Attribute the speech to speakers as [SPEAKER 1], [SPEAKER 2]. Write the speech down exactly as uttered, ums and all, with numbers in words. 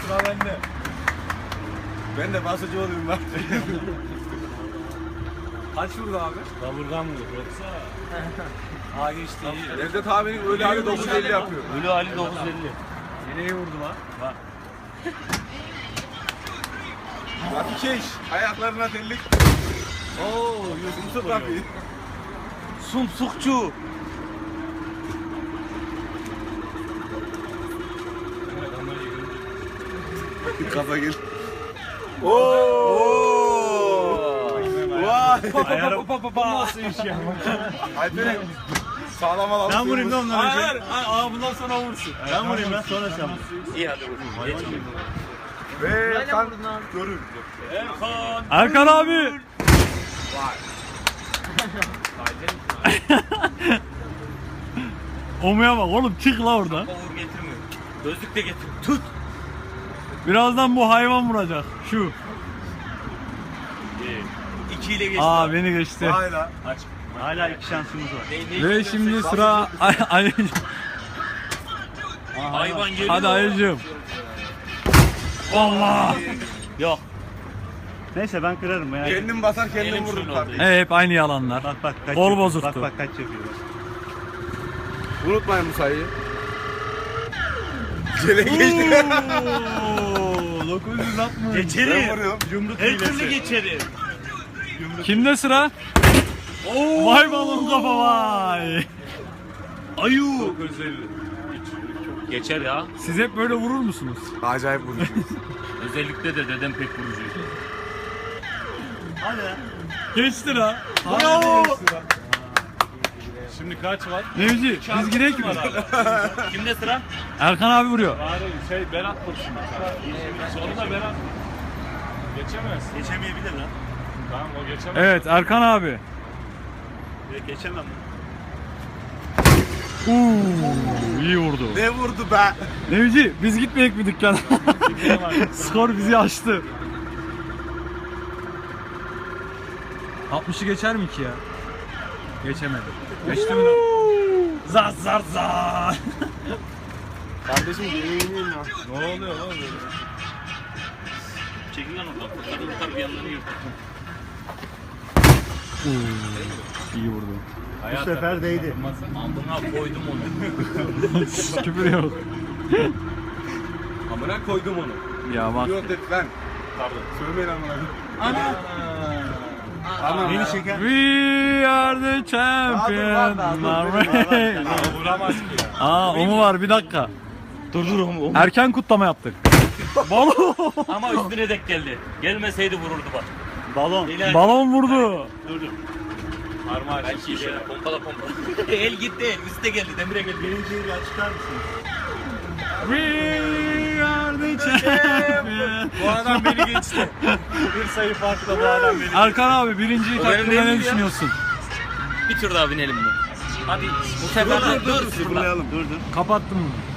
[SPEAKER 1] Sıra bende. Ben de basıcı olayım bak. Kaç vurdu abi?
[SPEAKER 2] Kaburgam mı yoksa?
[SPEAKER 1] Aa geçti. Evde tahminim ölü hali dokuz elli yapıyor.
[SPEAKER 2] Ölü hali dokuz elli.
[SPEAKER 1] Nereye vurdu lan? Bak. Rafi Keş. Ayaklarına tellik.
[SPEAKER 2] Oo,
[SPEAKER 1] Yusuf Rafi.
[SPEAKER 2] Sumsukçu.
[SPEAKER 1] Kafa gel. Ooo. Vay.
[SPEAKER 2] Ayarım. Nasıl iş ya?
[SPEAKER 1] Alperen. Sağlam alalım.
[SPEAKER 2] Ben vurayım da ondan önce.
[SPEAKER 1] Hayır. Aa bundan sonra vursun.
[SPEAKER 2] Ben vurayım lan sonra sen vur.
[SPEAKER 3] İyi hadi vurayım.
[SPEAKER 1] Ve Erkan görür.
[SPEAKER 2] Erkan.
[SPEAKER 4] Erkan abi. Omuya bak oğlum, çık la oradan.
[SPEAKER 3] Uğur getirmiyor. Gözlük de getir. Tut.
[SPEAKER 4] Birazdan bu hayvan vuracak. Şu.
[SPEAKER 3] İki ile geçti.
[SPEAKER 4] Aa beni geçti.
[SPEAKER 1] Hayla.
[SPEAKER 2] Aç. Hala iki şansımız var.
[SPEAKER 3] Ne, ne
[SPEAKER 4] Ve şimdi sıra Ay Ay-
[SPEAKER 3] hayvan geliyor.
[SPEAKER 4] Hadi Ayıcığım. Allah.
[SPEAKER 2] Yok. Neyse ben kırarım ya.
[SPEAKER 1] Kendim basar kendim
[SPEAKER 3] Elim
[SPEAKER 1] vururum
[SPEAKER 3] şunu
[SPEAKER 1] kardeşim.
[SPEAKER 4] Evet, hep aynı yalanlar.
[SPEAKER 2] Bak bak kaç
[SPEAKER 4] Kol
[SPEAKER 2] yapıyor.
[SPEAKER 4] bozuktu.
[SPEAKER 2] Bak bak kaç yapıyor. Bak.
[SPEAKER 1] Unutmayın bu sayıyı. Gele geçti.
[SPEAKER 4] dokuz yüz altmış.
[SPEAKER 1] Ben
[SPEAKER 2] Geçerim.
[SPEAKER 1] vuruyorum.
[SPEAKER 2] Yumruk
[SPEAKER 3] Her türlü
[SPEAKER 2] hilesi.
[SPEAKER 3] geçerim.
[SPEAKER 4] Kimde sıra? Vay balon kafa vay.
[SPEAKER 3] Ayu. Geçer ya.
[SPEAKER 4] Siz hep böyle vurur musunuz?
[SPEAKER 1] Acayip vuruyorsun.
[SPEAKER 3] Özellikle de dedem pek vurucuydu.
[SPEAKER 2] Hadi lan.
[SPEAKER 4] Geçti la.
[SPEAKER 2] Bravo.
[SPEAKER 1] Şimdi kaç var?
[SPEAKER 4] Nevci biz gidelim mi?
[SPEAKER 3] Kimde sıra?
[SPEAKER 4] Erkan abi vuruyor.
[SPEAKER 1] Bari şey ben atmadım şimdi. Sonunda ben atmadım. Geçemez.
[SPEAKER 2] Geçemeyebilir lan.
[SPEAKER 1] Tamam o geçemez.
[SPEAKER 4] Evet Erkan abi.
[SPEAKER 2] Evet, geçemem.
[SPEAKER 4] Uuu iyi vurdu.
[SPEAKER 1] Ne vurdu be?
[SPEAKER 4] Nevci biz gitmeyek mi dükkana? Skor bizi açtı. altmışı geçer mi ki ya? Geçemedi. Geçti mi lan? Zar zar zar.
[SPEAKER 1] Kardeşim yemeğini ya.
[SPEAKER 4] Ne oluyor lan böyle?
[SPEAKER 3] Çekil lan oradan. Kurtarın kurtar bir yandan yırtın.
[SPEAKER 4] İyi vurdu.
[SPEAKER 2] Bu sefer değdi.
[SPEAKER 3] Amına koydum onu.
[SPEAKER 4] Küfür yok.
[SPEAKER 1] Amına koydum onu.
[SPEAKER 4] Ya bak.
[SPEAKER 1] Yok dedi lan. Pardon. Söylemeyin amına. Ana. Ana.
[SPEAKER 2] Beni çeken.
[SPEAKER 4] We are the champions.
[SPEAKER 1] Vuramaz ki ya.
[SPEAKER 4] Aa o mu var, bir dakika.
[SPEAKER 2] Dur dur oğlum.
[SPEAKER 4] Erken kutlama yaptık. Balon.
[SPEAKER 3] Ama üstüne dek geldi. Gelmeseydi vururdu bak.
[SPEAKER 2] Balon.
[SPEAKER 3] Helal.
[SPEAKER 4] Balon vurdu.
[SPEAKER 3] Dur dur. Parmağı belki işe. Pompala pompala. El gitti el. Üste geldi. Demire geldi.
[SPEAKER 2] Birinciyi bir açıklar mısınız?
[SPEAKER 4] We are the champions.
[SPEAKER 1] Bu adam beni geçti. Bir sayı farkla bu adam beni.
[SPEAKER 4] Erkan abi birinciyi
[SPEAKER 3] O benim
[SPEAKER 4] hakkında
[SPEAKER 3] değil
[SPEAKER 4] ne
[SPEAKER 3] mi ya?
[SPEAKER 4] düşünüyorsun?
[SPEAKER 3] Bir tur daha binelim mi? Hadi bu sefer de dur.
[SPEAKER 1] Sıfırlayalım.
[SPEAKER 2] Dur dur.
[SPEAKER 4] Kapattım mı?